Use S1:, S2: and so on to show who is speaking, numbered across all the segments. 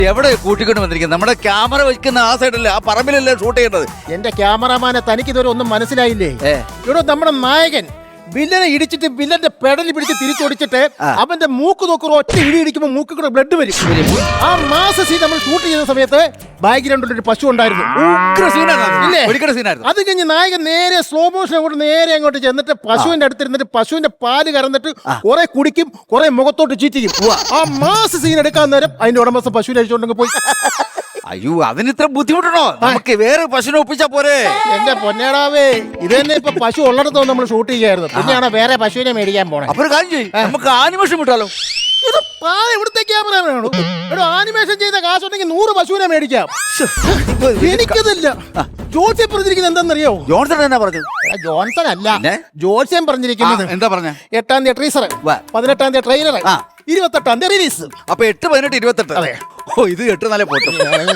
S1: എവിടെ കൂട്ടിക്കൊണ്ട് വന്നിരിക്കുന്നത്? നമ്മുടെ ക്യാമറ വെക്കുന്ന ആ സൈഡല്ലേ, ആ പറമ്പിലല്ലേ ഷൂട്ട് ചെയ്യേണ്ടത്?
S2: എന്റെ ക്യാമറമാനെ തനിക്ക് ഇതുവരെ ഒന്നും മനസ്സിലായില്ലേ? ഇവിടെ നമ്മുടെ നായകൻ വില്ലനെ ഇടിച്ചിട്ട് വില്ലന്റെ പെടലി പിടിച്ച് തിരിച്ചോടിച്ചിട്ട് അവന്റെ മൂക്ക് നോക്കുറോ ഒറ്റ ഇടി ഇടിക്കുമ്പോ മൂക്ക് കൂടെ ബ്ലഡ് വരും. ആ മാസ സീൻ നമ്മൾ ഷൂട്ട് ചെയ്യുന്ന സമയത്ത് ബാക്ക്ഗ്രൗണ്ടിൽ ഒരു പശു ഉണ്ടായിരുന്നു. അത് കഴിഞ്ഞ് നായകൻ നേരെ സ്ലോ മോഷൻ അങ്ങോട്ട് നേരെ അങ്ങോട്ട് ചെന്നിട്ട് പശുവിന്റെ അടുത്തിരുന്നിട്ട് പശുവിന്റെ പാല് കറന്നിട്ട് കുറെ കുടിക്കും, കുറെ മുഖത്തോട്ട് ചീറ്റിക്കും. ആ മാസ സീൻ എടുക്കാൻ നേരം അതിന്റെ ഉടമസ്ഥ പശുവിനെ അഴിച്ചുകൊണ്ടെങ്കിൽ പോയി.
S1: അയ്യോ, അതിന് ഇത്ര ബുദ്ധിമുട്ടണോ? നമുക്ക് വേറെ പശുവിനെ ഒപ്പിച്ചാ പോരെ?
S2: എന്റെ പൊന്നേടാവേ, ഇത് തന്നെ ഇപ്പൊ പശു ഉള്ളിടത്തോ നമ്മൾ ഷൂട്ട് ചെയ്യായിരുന്നു. പിന്നെയാണ് വേറെ പശുവിനെ മേടിക്കാൻ പോണേ.
S1: അപ്പൊ ഒരു കാര്യം ചെയ്യും, നമുക്ക് ആനിമേഷൻ വിട്ടാലോ?
S2: ഇത് എവിടുത്തെ ക്യാമറ ആനിമേഷൻ ചെയ്ത കാശുണ്ടെങ്കിൽ 100 പശുവിനെ മേടിക്കാം. എനിക്കതില്ല. ജോത്സ്യം പറഞ്ഞിരിക്കുന്നത് എന്താണെന്നറിയോ?
S1: ജോൺസൺ എന്നാ പറഞ്ഞത്?
S2: ജോൺസൺ അല്ല, ജോത്സ്യം പറഞ്ഞിരിക്കുന്നത്.
S1: എന്താ പറഞ്ഞ?
S2: 8-ാം തീയതി ട്രീസർ, 18-ാം തീയതി ട്രെയിലർ, 28-ാം തീയതി റിലീസ്.
S1: അപ്പൊ 8, 18, 28.
S2: അതെ.
S1: ഓ, ഇത് 8 നല്ല പൊട്ടും.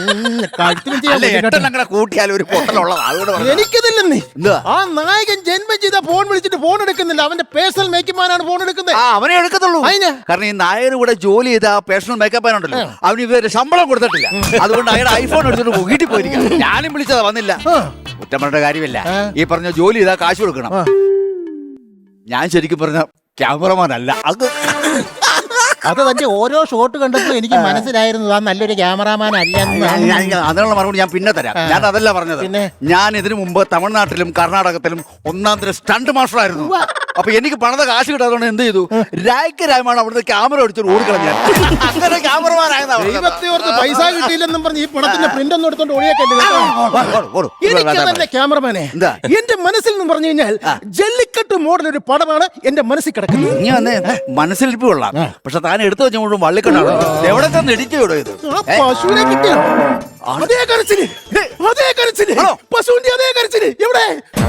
S1: കൂട്ടിയാലും ഒരു പൊട്ടലുള്ളതാണ്.
S2: എനിക്കതില്ലെന്നേ. ആ നായകൻ ജന്മം ചെയ്ത ഫോൺ വിളിച്ചിട്ട് ഫോൺ എടുക്കുന്നില്ല. അവന്റെ പേഴ്സണൽ മേക്കപ്പ്മാനാണ് ഫോൺ എടുക്കുന്നത്.
S1: അവനെ എടുക്കത്തുള്ളൂ. കാരണം ഈ നായകന് കൂടെ ജോലി ചെയ്ത ആ പേഴ്സണൽ മേക്കപ്പ്മാനുണ്ടല്ലോ, അവന് ഇവര് ശമ്പളം കൊടുത്തിട്ടില്ല. അതുകൊണ്ട് അയാൾ ഐഫോൺ എടുത്തിട്ട് വീട്ടിൽ പോയിരിക്കും. ഞാനും വിളിച്ചതാ, വന്നില്ല. കുറ്റം പറഞ്ഞ കാര്യമില്ല. ഈ പറഞ്ഞ ജോലി ചെയ്താൽ കാശ് കൊടുക്കണം. ഞാൻ ശരിക്കും പറഞ്ഞ ക്യാമറമാൻ അല്ല.
S2: അത് തന്നെ ഓരോ ഷോട്ട് കണ്ടപ്പോൾ എനിക്ക് മനസ്സിലായിരുന്നു ആ നല്ലൊരു ക്യാമറാമാൻ അല്ലെന്ന്.
S1: അതിനുള്ള മറുപടി ഞാൻ പിന്നെ തരാം. ഞാൻ അതല്ല പറഞ്ഞത്. ഞാൻ ഇതിനു മുമ്പ് തമിഴ്നാട്ടിലും കർണാടകത്തിലും 1-ാം തരം സ്റ്റണ്ട് മാസ്റ്റർ ആയിരുന്നു. അപ്പൊ എനിക്ക് പണത കാശ് കിട്ടാത്തതുകൊണ്ട് എന്ത് ചെയ്തു? രായ്ക്കരായമാണ് അവിടുത്തെ ക്യാമറ എടുത്തിട്ട് ഓടിക്കളഞ്ഞ. അങ്ങനെ ക്യാമറമാനായിരുന്നു.
S2: പൈസ കിട്ടിയില്ലെന്നും പറഞ്ഞ് ഈ പണത്തിന്റെ പ്രിന്റ് ഒന്നും എടുത്തോണ്ട് ഓടിയാക്കല്ലേ ക്യാമറമാനെ. എന്റെ മനസ്സിൽ നിന്ന് പറഞ്ഞു കഴിഞ്ഞാൽ ജല്ലിക്കെട്ട് മോഡൽ ഒരു പടമാണ് എന്റെ മനസ്സിൽ കിടക്കുന്നത്.
S1: നീ വന്നേ മനസ്സിലിപ്പ് കൊള്ളാം, പക്ഷെ താൻ എടുത്തു വെച്ചുകൊണ്ടും വള്ളിക്കെട്ടാണ്. എവിടെ തന്നെ ഇടിക്കോടോ ഇത്?
S2: പശുവിനെ കിട്ടിയോ? അതേ കരച്ചില്, അതേ കരച്ചില്, പശുവിന്റെ അതേ കരച്ചില്. എവിടെ?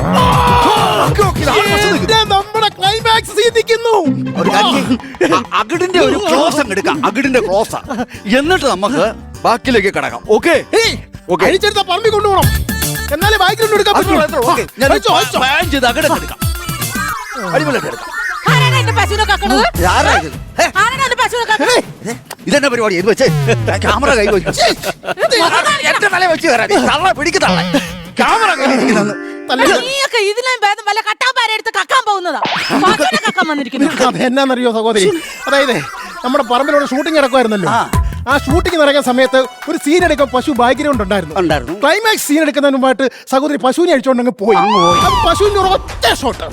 S2: നമ്മുടെ ക്ലൈമാക്സ് സീനിക്കുന്നു.
S1: അകിടിന്റെ ഒരു ക്ലോസ് അങ്ങ് എടുക്കാം, അകിടിന്റെ ക്ലോസ്. എന്നിട്ട് നമുക്ക് ബാക്കിയിലേക്ക് കിടക്കാം. ഓക്കെ,
S2: അഴിച്ചെടുത്ത പറമ്പി കൊണ്ടുപോകണം. എന്നാലേ ബാക്ക്ഗ്രൗണ്ട് എടുക്കാൻ പറ്റുള്ളൂ.
S1: അകിടെടുക്കാം, അടിപൊളിയായിട്ട് എടുക്കാം. ഇതെന്നെ പരിപാടി? ഇത് വെച്ച് ക്യാമറ കൈ വെച്ച് എന്റെ തല വെച്ച് കയറാൻ തള്ള പിടിക്കത്തള്ള ക്യാമറ കൈ.
S2: എന്നാന്നറിയോ സഹോദരി, അതായത് നമ്മുടെ പറമ്പിലൂടെ ഷൂട്ടിംഗ് നടക്കുമായിരുന്നല്ലോ. ആ ഷൂട്ടിംഗ് നടക്കുന്ന സമയത്ത് ഒരു സീൻ എടുക്കാൻ പശു ബാക്ക്ഗ്രൗണ്ട് ഉണ്ടായിരുന്നു. ക്ലൈമാക്സ് സീൻ എടുക്കുന്നതിന് മുമ്പായിട്ട് സഹോദരി പശുവിനെ അഴിച്ചോണ്ടങ്ങ് പോയി. പശുവിന്റെ ഒറ്റ ഷോട്ട്,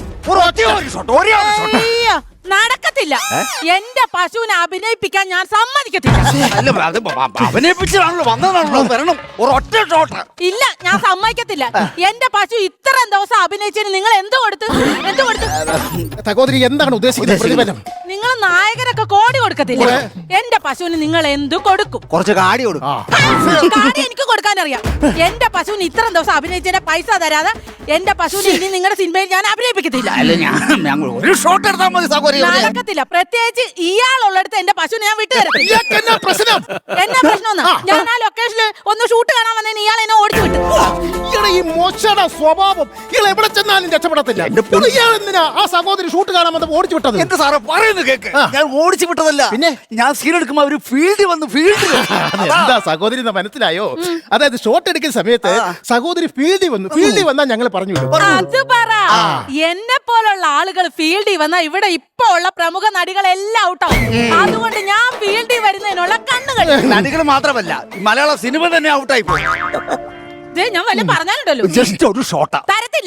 S3: നടക്കത്തില്ല. എന്റെ പശുവിനെ അഭിനയിപ്പിക്കാൻ ഞാൻ സമ്മതിക്കത്തില്ല.
S1: അഭിനയിപ്പിച്ചാണല്ലോ വന്നതാണല്ലോ, വരണം ഒരൊറ്റ ഷോട്ട്.
S3: ഇല്ല, ഞാൻ സമ്മതിക്കത്തില്ല. എന്റെ പശു ഇത്രയും ദിവസം അഭിനയിച്ചതിന് നിങ്ങൾ എന്ത് കൊടുത്തു?
S2: സഹോദരി എന്താണ് ഉദ്ദേശിക്കുന്നത്? പ്രതിഫലം
S3: നിങ്ങൾ നായകരൊക്കെ കോടി കൊടുക്കത്തില്ല. എന്റെ പശുവിന് നിങ്ങൾ എന്ത് കൊടുക്കും?
S1: കുറച്ച് കാടി കൊടുക്കും.
S3: കാടി എനിക്ക് കൊടുക്കാൻ അറിയാം. എന്റെ പശുവിന് ഇത്രയും ദിവസം അഭിനയിച്ചതിന്റെ പൈസ തരാതെ എന്റെ പശുവിനെ ഇനി നിങ്ങളുടെ സിനിമയിൽ ഞാൻ അഭിനയിപ്പിക്കത്തില്ല.
S1: ഒരു ഷോട്ട് എടുത്താൽ മതി സഹോദരി.
S3: നടക്കത്തില്ല. പ്രത്യേകിച്ച് ഇയാളുള്ളിടത്ത് എന്റെ പശുവിനെ ഞാൻ വിട്ടു തരത്തില്ല.
S2: എന്നാ പ്രശ്നം?
S3: ഞാൻ ആ ലൊക്കേഷനിൽ ഒന്ന് ഷൂട്ട് കാണാൻ വന്നതിന് ഇയാൾ എന്നെ ഓടിച്ചു വിട്ടു.
S2: ഈ മോശയുടെ സ്വഭാവം ഇയാൾ എവിടെ ചെന്നാലും രക്ഷപ്പെടത്തില്ല. ഇയാൾ എന്തിനാ ആ സഹോദരി ഷൂട്ട് കാണാൻ വന്നപ്പോൾ ഓടിച്ചു വിട്ടത്?
S1: എന്റെ സാറേ പറയുന്നത് കേക്ക്. ഞാൻ ഓടിച്ചു വിട്ടതല്ല. പിന്നെ ഞാൻ സീൻ എടുക്കുമ്പോ അവര് ഫീൽഡിൽ വന്നു.
S2: എന്താ സഹോദരി മനസ്സിലായോ? അതായത് ഷോട്ട് എടുക്കുന്ന സമയത്ത് സഹോദരി ഫീൽഡിൽ വന്നാൽ ഞങ്ങൾ പറഞ്ഞു
S3: അത് പറ. എന്നെ പോലുള്ള ആളുകൾ ഫീൽഡിൽ വന്നാ ഇവിടെ ഇപ്പൊ ഉള്ള പ്രമുഖ നടികളെല്ലാം ഔട്ടാവും. അതുകൊണ്ട് ഞാൻ ഫീൽഡിൽ വരുന്നതിനുള്ള കണ്ണുകൾ.
S1: നടികൾ മാത്രമല്ല, മലയാള സിനിമ തന്നെ ഔട്ടായി പോയി.
S3: ഞാൻ വല്ല പറഞ്ഞാലുണ്ടല്ലോ,
S1: ജസ്റ്റ് ഒരു ഷോട്ടാ
S3: തരത്തില്ല.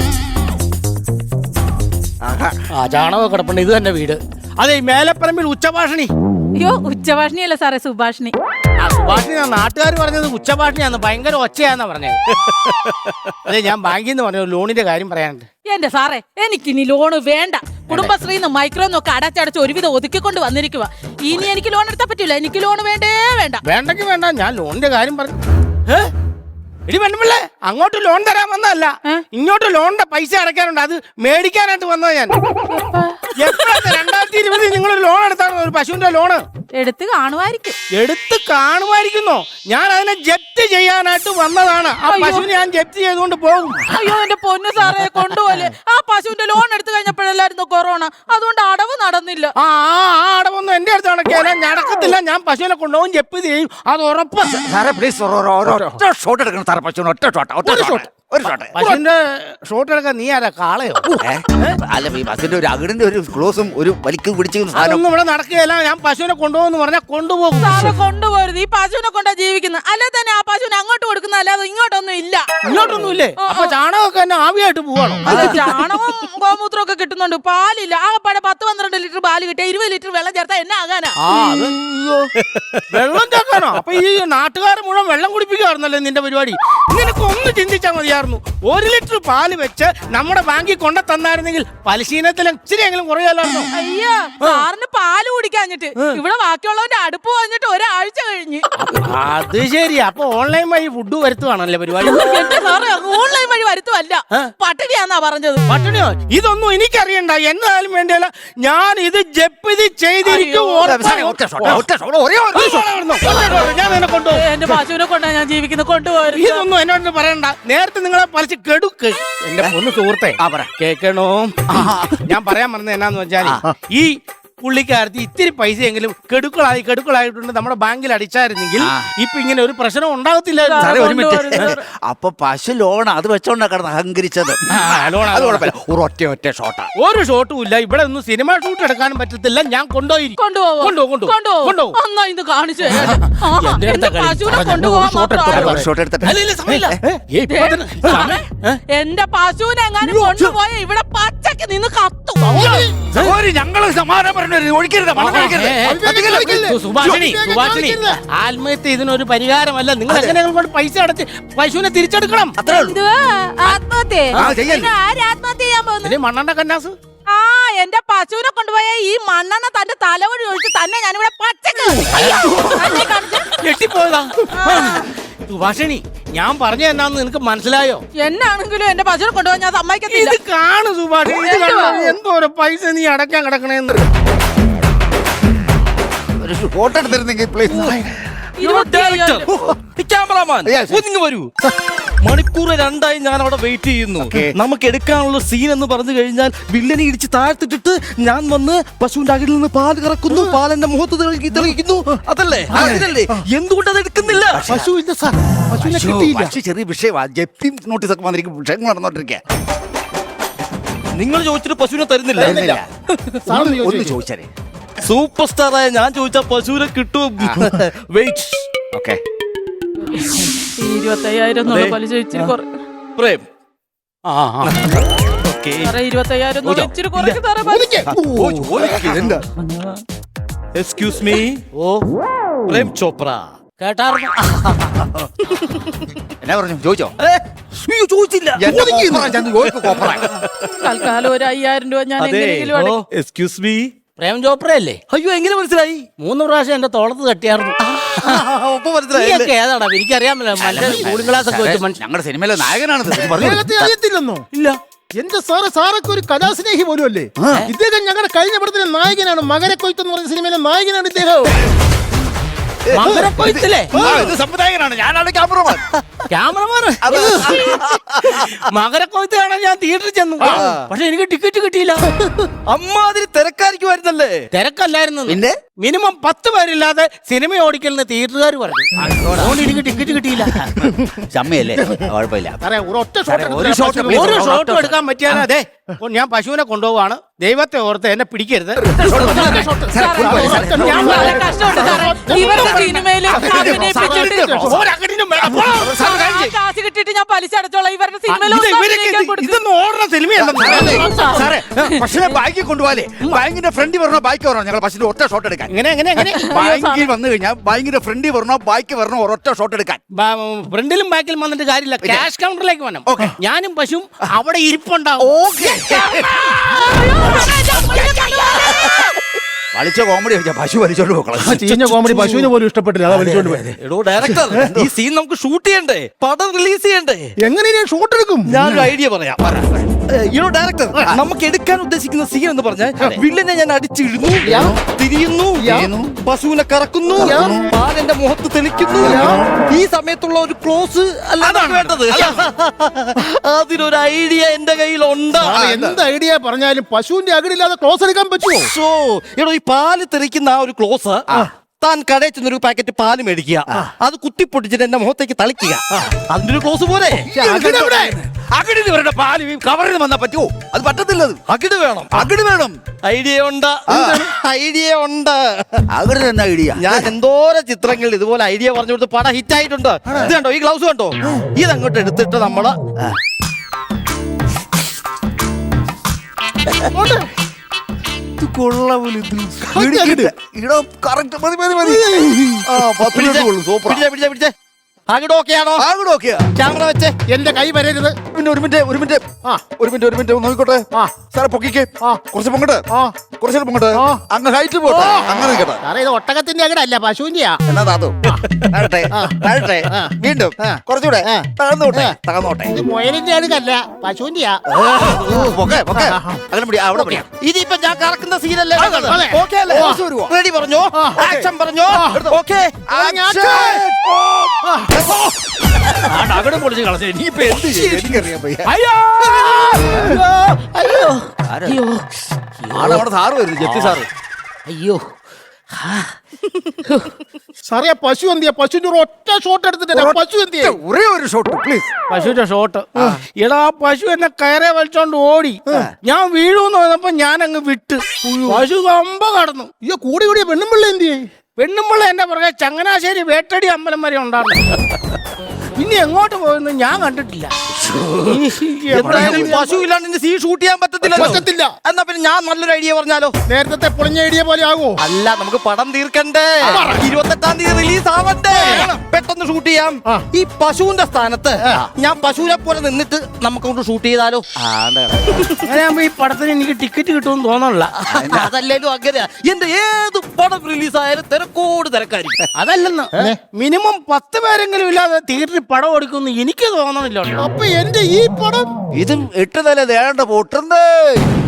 S2: ചാണക കിടപ്പുണ്ട്. ഇത് തന്നെ വീട്. അതെ, മേലപ്പറമ്പിൽ ഉച്ചഭാഷണി.
S3: അയ്യോ, ഉച്ചഭാഷണിയല്ല സാറേ, സുഭാഷിണി.
S2: സുഭാഷിണി നാട്ടുകാർ പറഞ്ഞത് ഉച്ചഭാഷണിയാന്ന്, ഭയങ്കര ഒച്ചയാന്നാ പറഞ്ഞത്. അതെ, ഞാൻ ബാങ്കിൽ നിന്ന് പറഞ്ഞു ലോണിന്റെ കാര്യം പറയാനുണ്ട്.
S3: എന്റെ സാറേ, എനിക്കിനി ലോണ് വേണ്ട. കുടുംബശ്രീന്ന് മൈക്രോന്നൊക്കെ അടച്ചടച്ച് ഒരുവിധം ഒതുക്കിക്കൊണ്ട് വന്നിരിക്കുക. ഇനി എനിക്ക് ലോൺ എടുത്താൽ പറ്റില്ല. എനിക്ക് ലോൺ വേണ്ടേ വേണ്ട.
S2: വേണ്ടെങ്കിൽ വേണ്ട, ഞാൻ ലോണിന്റെ കാര്യം പറഞ്ഞു. എടി പെണ്ണുപിള്ളേ, അങ്ങോട്ട് ലോൺ തരാൻ വന്നതല്ല, ഇങ്ങോട്ട് ലോണിന്റെ പൈസ അടയ്ക്കാനുണ്ട്, അത് മേടിക്കാനായിട്ട് വന്നത് ഞാൻ. എപ്പോഴത്തെ 2020 നിങ്ങളൊരു ലോൺ എടുത്താണോ ഒരു പശുവിന്റെ ലോണ്?
S3: എടുത്ത് കാണുമായിരിക്കും.
S2: എടുത്ത് കാണുമായിരിക്കുന്നോ? ഞാൻ അതിനെ ജപ്തി ചെയ്യാനായിട്ട് വന്നതാണ്. ആ പശുവിനെ ഞാൻ ജപ്തി ചെയ്തുകൊണ്ട് പോകും.
S3: അയ്യോ എന്റെ പൊന്നു സാറേ, കൊണ്ടുപോലെ ആ പശുവിന്റെ ലോൺ എടുത്തു കഴിഞ്ഞപ്പോഴല്ലായിരുന്നു കൊറോണ, അതുകൊണ്ട് അടവ് നടന്നില്ല.
S2: ആ അടവൊന്നും എന്റെ അടുത്ത് നടക്കില്ല, നടക്കത്തില്ല. ഞാൻ പശുവിനെ കൊണ്ടുപോകും, ജപ്തി ചെയ്യും, അത് ഉറപ്പ്.
S1: സാറേ പ്ലീസ് ഒറ്റ ഷോട്ട് എടുക്കണം സാറേ, പശുവിന് ഒറ്റ ഷോട്ട്.
S2: പശുവിന്റെ ഷോട്ട് എടുക്കാൻ നീ ആരാ, കാളയോ?
S1: അല്ല ഈ ബസിന്റെ ഒരു അകിടിന്റെ ഒരു ക്ലോസും ഒരു വലിക്കും പിടിച്ചും സാധനം
S2: അതൊന്നും ഇവിടെ നടക്കുകയില്ല. ഞാൻ പശുവിനെ കൊണ്ടുപോകുന്നു പറഞ്ഞാൽ കൊണ്ടുപോകും.
S3: സാറെ കൊണ്ടുപോരുത്, ഈ പശുവിനെ കൊണ്ടാ ജീവിക്കുന്നത്. അല്ലെ തന്നെ ആ പശുവിനെ അങ്ങോട്ട് കൊടുക്കുന്ന, അല്ലാതെ ഇങ്ങോട്ടൊന്നും ഇല്ല.
S2: ഇങ്ങോട്ടൊന്നും ഇല്ലേ? അപ്പൊ ചാണകമൊക്കെ തന്നെ ആവിയായിട്ട് പോവാണോ?
S3: ചാണകവും ഗോമൂത്രവും ഒക്കെ കിട്ടുന്നുണ്ട്, പാലില്ല. ആകെപ്പാടെ 10-12 ലിറ്റർ പാല് കിട്ടിയ 20 ലിറ്റർ വെള്ളം ചേർത്താ എന്നെ ആകാനാ?
S2: വെള്ളം ചേർക്കാനോ? അപ്പൊ ഈ നാട്ടുകാരെ മുഴുവൻ വെള്ളം കുടിപ്പിക്കാറുന്നല്ലേ നിന്റെ പരിപാടി? നിനക്ക് ഒന്ന് ചിന്തിച്ചാൽ മതിയായിരുന്നു. 1 ലിറ്റർ പാല് വെച്ച് നമ്മുടെ ബാങ്കിൽ കൊണ്ട തന്നായിരുന്നെങ്കിൽ പലിശീനത്തിൽ ഇച്ചിരിയെങ്കിലും കുറയാലായിരുന്നു.
S3: അയ്യോ, സാറിന് പാല് കുടിക്കാഞ്ഞിട്ട് ഇവിടെ ബാക്കിയുള്ളവന്റെ അടുപ്പ് വന്നിട്ട് ഒരാഴ്ച കഴിഞ്ഞ്.
S2: അത് ശരി. അപ്പൊ ഓൺലൈൻ വഴി ഫുഡ് വരുത്തുവാണല്ലേ പരിപാടി?
S3: എന്റെ സാറേ, ഓൺലൈൻ വഴി വരുത്തുമല്ല, പട്ടിണിയാന്നാ പറഞ്ഞത്.
S2: പട്ടിണിയോ? ഇതൊന്നും എനിക്കറിയണ്ട. എന്നാലും വേണ്ടിയല്ല, ഞാൻ ഇത് ജപ്തി ചെയ്തിരിക്കും. ഞാൻ നിന്നെ കൊണ്ടുപോകും.
S3: എന്റെ പശുവിനെ കൊണ്ടാ ഞാൻ ജീവിക്കുന്നത്, കൊണ്ടുപോകരുത്.
S2: ഇതൊന്നും എന്നോട് പറയണ്ട. നേരത്തെ നിങ്ങളെ പലിച്ച് കെടുക്ക്. എന്റെ പൊന്നു സുഹൃത്തെ, കേൾക്കണോ? ഞാൻ പറയാൻ പറഞ്ഞത് എന്നാന്ന് വെച്ചാൽ, ഈ പുള്ളിക്കാരത്തി ഇത്തിരി പൈസയെങ്കിലും കെടുക്കളായിട്ടുണ്ട് നമ്മുടെ ബാങ്കിൽ അടിച്ചായിരുന്നെങ്കിൽ ഇപ്പൊ ഇങ്ങനെ ഒരു പ്രശ്നം ഉണ്ടാകത്തില്ലായിരുന്നു.
S1: സാറേ ഒരു മിനിറ്റ്. അപ്പൊ പശു ലോൺ അത് വെച്ചോണ്ടാ കിടന്ന് അഹങ്കരിച്ചത്. ഒറ്റ ഷോട്ടാ,
S2: ഒരു ഷോട്ടും ഇല്ല. ഇവിടെ ഒന്നും സിനിമ ഷൂട്ട് എടുക്കാനും പറ്റത്തില്ല. ഞാൻ കൊണ്ടുപോയി
S3: എന്റെ പശുവിനെ എങ്ങാനും കൊണ്ടുപോയ ഇവിടെ പച്ചക്ക് നിന്ന് കത്തും.
S1: ഞങ്ങള് സമാധാനം
S2: സുഭാഷിണി, ആത്മഹത്യ ഇതിനൊരു പരിഹാരമല്ല. നിങ്ങൾ എങ്ങനെയെങ്കിലും കൊണ്ട് പൈസ അടച്ച് പശുവിനെ തിരിച്ചെടുക്കണം. മണ്ണെണ്ണ കന്നാസ്.
S3: ആ എന്റെ പശുവിനെ കൊണ്ടുപോയ ഈ മണ്ണെണ്ണ തന്റെ തലവഴി ഒഴിച്ച് തന്നെ ഞാനിവിടെ പച്ചക്ക്
S2: ഞെട്ടിപ്പോയതാ. സുഭാഷിണി, ഞാൻ പറഞ്ഞു എന്നാന്ന് നിനക്ക് മനസ്സിലായോ?
S3: എന്നാണെങ്കിലും എന്റെ പശുവിനെ കൊണ്ടുപോയി ഞാൻ സമ്മതിക്കത്തില്ല.
S2: ഇത് കാണു സുഭാഷിണി, എന്തോ ഒരു പൈസ നീ അടയ്ക്കാൻ കിടക്കണേന്ന്.
S1: ഒരു ഷോട്ട് എടുത്തിരുന്നെങ്കിൽ പ്ലീസ്.
S4: വരൂ. മണിക്കൂർ 2 ഞാൻ അവിടെ വെയിറ്റ് ചെയ്യുന്നു. നമുക്ക് എടുക്കാനുള്ള സീൻ എന്ന് പറഞ്ഞു കഴിഞ്ഞാൽ വില്ലനെ ഇടിച്ച് താഴ്ത്തിട്ടിട്ട് ഞാൻ വന്ന് പശുവിന്റെ അകിടിൽ നിന്ന് പാല് കറക്കുന്നു, പാലെന്റെ മുഖത്ത് തെളിയിക്കുന്നു. അതല്ലേ അതിനല്ലേ? എന്തുകൊണ്ട് അത് എടുക്കുന്നില്ല?
S1: പശു ചെറിയ വിഷയമാണ്. ജപ്തി നോട്ടീസ് ഒക്കെ വന്നിരിക്കും, വിഷയങ്ങൾ നടന്നോണ്ടിരിക്കുക.
S4: നിങ്ങൾ ചോദിച്ചിട്ട് പശുവിനെ തരുന്നില്ല.
S1: ഒന്ന് ചോദിച്ചാലേ
S4: സൂപ്പർ സ്റ്റാറായ ഞാൻ ചോദിച്ചാൽ പശുവിനെ കിട്ടും. വെയിറ്റ്.
S1: ഓക്കെ,
S3: 25,000 പലിശ ഇച്ചിരി
S4: പ്രേം.
S3: 25,000 ഇച്ചിരി കുറയ്ക്ക് സാറേ.
S4: Excuse me. പ്രേം ചോപ്ര.
S2: കേട്ടാർന്നു?
S1: എന്നാ പറഞ്ഞു? ചോദിച്ചോ?
S4: ചോദിച്ചില്ല.
S3: തൽക്കാലം ഒരു 5,000 രൂപ ഞാൻ എങ്ങനെയെങ്കിലും
S4: എക്സ്ക്യൂസ് മീ.
S2: പ്രേം ചോപ്ര അല്ലേ?
S4: അയ്യോ, എങ്ങനെ മനസ്സിലായി?
S2: 3 പ്രാവശ്യം എന്റെ തോളത്ത് തട്ടിയായിരുന്നു. ഏതാടാ? എനിക്കറിയാമല്ലോ, മറ്റേ കൂളിംഗ് ഗ്ലാസ് ഒക്കെ വെച്ച് മനുഷ്യൻ.
S1: ഞങ്ങളുടെ സിനിമയിലെ നായകനാണത്.
S2: അറിയത്തില്ലെന്നോ? ഇല്ല.
S5: എന്റെ സാറൊക്കെ ഒരു കലാസ്നേഹി പോലും അല്ലേ? ഇദ്ദേഹം ഞങ്ങളുടെ കഴിഞ്ഞ പടത്തിലെ നായകനാണ്. മകരക്കൊയ്ത്ത് എന്ന് പറഞ്ഞ സിനിമയിലെ നായകനാണ് ഇദ്ദേഹം.
S2: മകരക്കൊയ്ത്തിലെ
S1: സംവിധായകനാണ്. ഞാനാണ് ക്യാമറമാൻ.
S2: മകരക്കൊയ്ത്ത് കാണാൻ ഞാൻ തിയേറ്ററിൽ ചെന്നു. പക്ഷെ എനിക്ക് ടിക്കറ്റ് കിട്ടിയില്ല.
S4: അമ്മാതിരി തിരക്കായിരിക്കുമായിരുന്നല്ലേ?
S2: തിരക്കല്ലായിരുന്നു.
S1: പിന്നെ
S2: മിനിമം 10 പേരില്ലാതെ സിനിമ ഓടിക്കലെന്ന് തിയേറ്ററുകാർ പറഞ്ഞു. അതുകൊണ്ട് എനിക്ക് ടിക്കറ്റ് കിട്ടിയില്ല.
S1: ചമ്മയല്ലേ? കുഴപ്പമില്ല.
S2: ഒരു ഷോട്ടും എടുക്കാൻ പറ്റിയാൽ അതെ. ഞാൻ പശുവിനെ കൊണ്ടുപോവാണ്. ദൈവത്തെ ഓർത്ത് എന്നെ പിടിക്കരുത്.
S3: ഞാൻ വളരെ കഷ്ടമുണ്ട് സാറേ. ഇവരുടെ സിനിമയില് അഭിനയിപ്പിച്ചിട്ട് കാശ് കിട്ടിയിട്ട് ഞാൻ പലിശ അടച്ചോളാം. ഇവരുടെ
S2: ഇതൊന്നും ഓടുന്ന സിനിമയല്ല
S1: സാറേ. പശുവിനെ ബാങ്കിൽ കൊണ്ടുപോകാലേ, ബാങ്കിന്റെ ഫ്രണ്ടിൽ വരണോ ബാക്കി വരണോ? ഞങ്ങൾ പശുവിന്റെ ഒറ്റ ഷോട്ട് എടുക്കാൻ.
S2: എങ്ങനെ
S1: ബാങ്കിൽ വന്നു കഴിഞ്ഞാൽ ബാങ്കിന്റെ ഫ്രണ്ടിൽ വരണോ ബാക്കി വരണോ? ഒരൊറ്റ ഷോട്ട് എടുക്കാൻ.
S2: ഫ്രണ്ടിലും ബാക്കിലും വന്നിട്ട് കാര്യമില്ല. ക്യാഷ് കൗണ്ടറിലേക്ക് വരണം. ഞാനും പശുവും അവിടെ ഇരിപ്പുണ്ടാവും.
S1: വലിച്ച കോമഡി പശു വലിച്ചോണ്ട് പോകണം.
S5: ചീഞ്ഞ കോമഡി പശുവിന് പോലും ഇഷ്ടപ്പെട്ടില്ല, അതാ വലിച്ചോണ്ട് പോയത്.
S4: എടോ ഡയറക്ടർ, ഈ സീൻ നമുക്ക് ഷൂട്ട് ചെയ്യണ്ടേ? പടം റിലീസ് ചെയ്യണ്ടേ?
S5: എങ്ങനെ ഷൂട്ട് എടുക്കും?
S4: ഞാനൊരു ഐഡിയ പറയാം. ഡയറക്ടർ നമുക്ക് എടുക്കാൻ ഉദ്ദേശിക്കുന്ന സീൻ എന്ന് പറഞ്ഞാൽ വില്ലനെ ഞാൻ അടിച്ചിടുന്നു, തിരിയുന്നു, പശുവിനെ കറക്കുന്നു, പാലെന്റെ മുഖത്ത് തെളിക്കുന്നു. ഈ സമയത്തുള്ള ഒരു ക്ലോസ് അല്ലാതാണ് വേണ്ടത്. അതിനൊരു ഐഡിയ എന്റെ കയ്യിലുണ്ട്.
S2: എന്ത് ഐഡിയ പറഞ്ഞാലും പശുവിന്റെ അകിടില്ലാതെ ക്ലോസ് എടുക്കാൻ പറ്റുമോ?
S4: എടോ, ഈ പാല് തെറിക്കുന്ന ആ ഒരു ക്ലോസ് താൻ കടയിൽ ചെന്നൊരു പാക്കറ്റ് പാല് മേടിക്കുക, അത് കുത്തിപ്പൊട്ടിച്ചിട്ട് എന്റെ മുഖത്തേക്ക് തളിക്കുക. അതിന്റെ ഒരു ക്ലോസ് പോലെ.
S1: അകിടിന് വരേണ്ട പാല് കവറിൽ വന്നാ പറ്റുമോ? അത് പറ്റത്തില്ലത്.
S4: അകിട് വേണം,
S1: അകിട് വേണം.
S4: ഐഡിയ ഉണ്ട്, ഐഡിയ ഉണ്ട്.
S1: അകിട് തന്നെ ഐഡിയ.
S4: ഞാൻ എന്തോരം ചിത്രങ്ങളിൽ ഇതുപോലെ ഐഡിയ പറഞ്ഞു കൊടുത്ത് പടം ഹിറ്റ് ആയിട്ടുണ്ട്. ഇത് കണ്ടോ, ഈ ഗ്ലൗസ് കണ്ടോ? ഇതങ്ങോട്ട് എടുത്തിട്ട് നമ്മള് പിടിച്ചേ. അകിട് ഓക്കെയാണോ? ക്യാമറ വെച്ച്
S2: എന്റെ കൈ വരരുത്.
S1: പിന്നെ ഒരു മിനിറ്റ് നോക്കിക്കോട്ടെ. സാറെ പൊക്കിക്കേ, കുറച്ച് പൊങ്ങട്ടെ, കുറച്ച് പൊങ്ങട്ടെ, അങ്ങ് ഹൈറ്റ് പോട്ടെ, അങ്ങനെ നിൽക്കട്ടെ.
S2: സാറേ ഇത് ഒട്ടകത്തിന്റെ അകിടല്ല, പശുവിന്റെയാ.
S1: എന്നാ താത്തു താഴട്ടെ, വീണ്ടും കുറച്ചുകൂടെ തകർന്നോട്ടെ.
S2: ഇത് മുയലിന്റെ അകിടല്ല, പശുവിന്റെയാ.
S1: അങ്ങനെ പിടി, അവിടെ പിടിയാ.
S4: ഇതിപ്പോ ഞാൻ കറക്കുന്ന സീനല്ലേ?
S2: അതെ.
S4: ഓക്കെ അല്ലേ? റെഡി പറഞ്ഞോ, ആക്ഷൻ പറഞ്ഞോ. ഓക്കെ,
S1: അകടം പൊളിച്ച് കളഞ്ഞ ഇനിയിപ്പോ എന്ത് ചെയ്യും? എനിക്കറിയാൻ വയ്യ. ആളവിടെ സാറ് വരുന്നു, ജപ്തി സാറ്.
S4: അയ്യോ,
S2: സാറേ പശു എന്തിയാ? പശുവിന്റെ ഒരു ഒറ്റ ഷോട്ട് എടുത്തിട്ട് പശു എന്തിയാ?
S1: ഒരേ ഒരു ഷോട്ട് പ്ലീസ്.
S6: പശുവിന്റെ ഷോട്ട്. എടാ, പശു എന്നെ കയറെ വലിച്ചോണ്ട് ഓടി. ഞാൻ വീഴൂന്ന് പറഞ്ഞപ്പോ ഞാൻ അങ്ങ് വിട്ട്. പശു കമ്പ കടന്നു.
S2: അയ്യോ, കൂടി പെണ്ണുമ്പിള്ള എന്തിയേ?
S6: പെണ്ണുമ്പിള്ള എന്റെ പുറകെ ചങ്ങനാശ്ശേരി വേട്ടടി അമ്പലം വരെ ഉണ്ടായിരുന്നു. പിന്നെ എങ്ങോട്ട് പോയെന്ന് ഞാൻ കണ്ടിട്ടില്ല.
S4: എന്തായാലും പശു ഇല്ലാണ്ട് സീൻ ഷൂട്ട് ചെയ്യാൻ
S2: പറ്റത്തില്ല.
S4: എന്നാ പിന്നെ ഞാൻ നല്ലൊരു ഐഡിയ പറഞ്ഞാലോ?
S2: നേരത്തെ പൊളിഞ്ഞ ഐഡിയ പോലെ ആകുമോ?
S4: അല്ല, നമുക്ക് പടം തീർക്കണ്ടേ? 28-ാം തീയതി റിലീസ് ആവണ്ടേ? പെട്ടെന്ന് ഷൂട്ട് ചെയ്യാം. ഈ പശുവിന്റെ സ്ഥാനത്ത് ഞാൻ പശുവിനെ പോലെ നിന്നിട്ട് നമുക്ക് ഷൂട്ട് ചെയ്താലോ?
S6: അങ്ങനെയാകുമ്പോ ഈ പടത്തിന് എനിക്ക് ടിക്കറ്റ് കിട്ടുമെന്ന് തോന്നണില്ല.
S4: അതല്ലേലും അങ്ങനെയാ. എന്റെ ഏത് പടം റിലീസ് ആയാലും തിരക്കോട് തിരക്കായിരിക്കും.
S6: അതല്ലെന്ന്, മിനിമം 10 പേരെങ്കിലും ഇല്ലാതെ തിയേറ്ററിൽ പടം ഓടിക്കുമെന്ന് എനിക്ക് തോന്നണില്ല.
S2: അപ്പൊ എന്റെ ഈ പടം
S1: ഇതും 8 നില ദേണ്ട പൊട്ടുന്നേ.